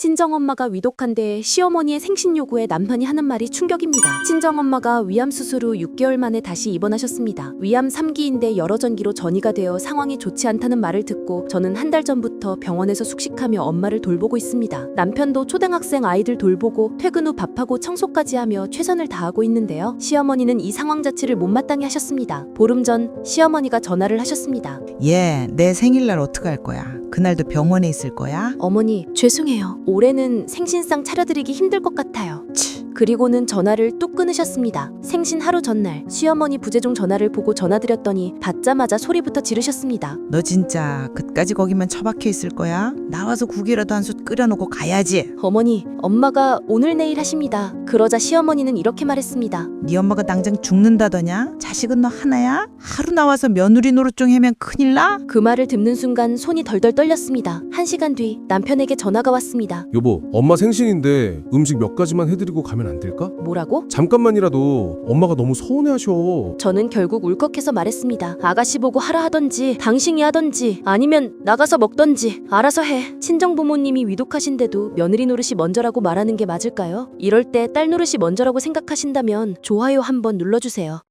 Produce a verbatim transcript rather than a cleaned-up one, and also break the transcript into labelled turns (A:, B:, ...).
A: 친정엄마가 위독한데 시어머니의 생신 요구에 남편이 하는 말이 충격입니다. 친정엄마가 위암 수술 후 육 개월 만에 다시 입원하셨습니다. 위암 삼 기인데 여러 전기로 전이가 되어 상황이 좋지 않다는 말을 듣고 저는 한 달 전부터 병원에서 숙식하며 엄마를 돌보고 있습니다. 남편도 초등학생 아이들 돌보고 퇴근 후 밥하고 청소까지 하며 최선을 다하고 있는데요. 시어머니는 이 상황 자체를 못마땅해 하셨습니다. 보름 전 시어머니가 전화를 하셨습니다.
B: 얘, 내 생일날 어떡할 거야? 그날도 병원에 있을 거야?
A: 어머니, 죄송해요. 올해는 생신상 차려드리기 힘들 것 같아요. 그리고는 전화를 뚝 끊으셨습니다. 생신 하루 전날 시어머니 부재중 전화를 보고 전화드렸더니 받자마자 소리부터 지르셨습니다.
B: 너 진짜 끝까지 거기만 처박혀 있을 거야? 나와서 국이라도 한 솥 끓여놓고 가야지.
A: 어머니, 엄마가 오늘 내일 하십니다. 그러자 시어머니는 이렇게 말했습니다.
B: 네 엄마가 당장 죽는다더냐? 자식은 너 하나야? 하루 나와서 며느리 노릇 좀 하면 큰일 나?
A: 그 말을 듣는 순간 손이 덜덜 떨렸습니다. 한 시간 뒤 남편에게 전화가 왔습니다.
C: 여보, 엄마 생신인데 음식 몇 가지만 해드리고 가면 안 될까?
A: 뭐라고?
C: 잠깐만이라도 엄마가 너무 서운해하셔.
A: 저는 결국 울컥해서 말했습니다. 아가씨 보고 하라 하던지 당신이 하던지 아니면 나가서 먹던지 알아서 해. 친정부모님이 위독하신데도 며느리 노릇이 먼저라고 말하는 게 맞을까요? 이럴 때 딸 노릇이 먼저라고 생각하신다면 좋아요 한번 눌러주세요.